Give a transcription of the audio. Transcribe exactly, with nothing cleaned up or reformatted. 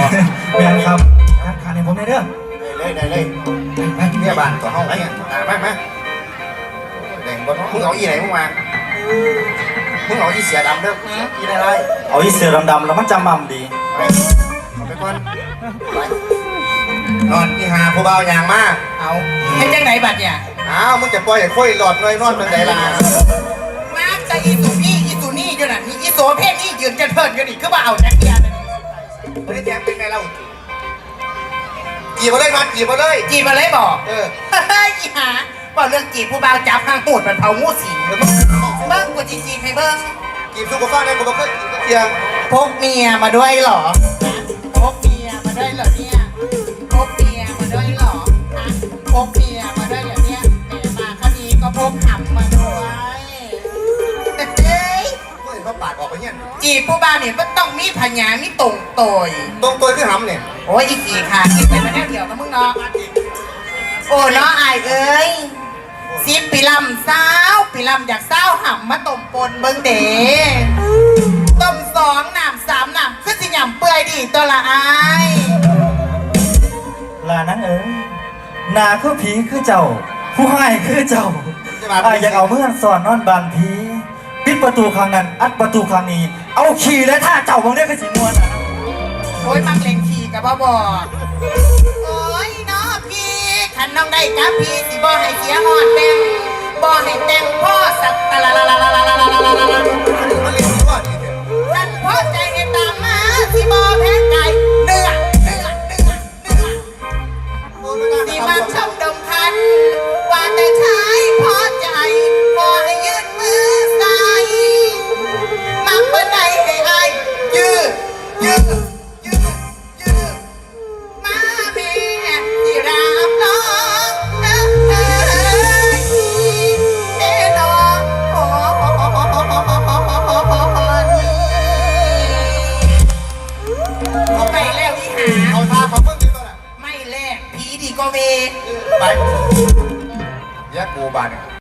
แม่นครับการขาดในผมในเด้อเลยได้เลยไปกินเนี่ยบ้านต่อห้องไรเงี้ยตามมามาแดงบนมึงเอาอีไหนมึงมามึงเอาอีเสียดำเด้ออีอะไรเอาอีเสือดำๆแล้วมันจำมั่มดีไปเอาไปก่อนไปนอนที่หาผู้เบายางมาเอาให้จังไหนบัดเนี่ยอ้าวมึงจะปล่อยให้ค่อยหลอดน้อยนอนเป็นไงล่ะมาจะอีสุนี่อีสุนี่อยู่น่ะมีอีโสเพศนี่ยืนจะเทินกันอีกคือว่าเอาจักรยานไม่ได้แจ้งเป็นไงเราจีบมาเลยนอนจีบมาเลยจีบมาเลยบอกเออเฮ้ยอีหาบอกเรื่องจีบผู้บ่าวจับหางหูดมันเผางูสิงเบิ้งกูจีจีให้เบิ้งจีบสุกฟ้าในกูบอกว่าจีบเทียงพกเมียมาด้วยเหรอพกเมียมาด้วยเหรอเนี่ยพกเมียมาด้วยเหรอฮะพกเมียมาด้วยเหรอเนี่ยแต่มาคดีก็พกหำมาด้วยเฮ้ยเมื่อเห็นเขาปาดออกไปเนี่ยจีบผู้บ่าวเนี่ยมันต้องมีพญามีตรงโตยตรงตัวคือหำเนี่ยโอ้ยอีกี่ค่ะกินไปมาแค่เดียวนะมึงเนาะโอ้เนาะอายเอ้ยสิบปีลำเศร้าปีลำอยากเศร้าห่ำมาต้มปนเบิ้งเด๋ต้มสองหนามสามหนามขึ้นสิหยำเปื่อยดีตัวละอายลานั้นเอ้ยนาคือผีคือเจ้าผู้ให้คือเจ้าอายอยากเอาเมื่อนสอนนอนบานผีปิดประตูครั้งนั้นอัดประตูครั้งนี้เอาขี่และท่าเจ้าบางเรื่องก็สิมวนนะโอ้ยมักเล่นขี่กับบ่บอกโอ้ยน้อพี่ขันน้องได้กับพี่สิบ่ให้เสียหอดแดงบ่ให้แดงพ่อสักตะละละละละละละละละละละขันพ่อใจให้ตามมาสิบ่แพ้ไก่เนื้อเนื้อเนื้อเนื้อสิมาชมดมคันว่าแต่ชายพอใจพอให้ยืดมือใส่มักเมื่อใดให้อายยืดยืดก็เวไปแยกกูบาน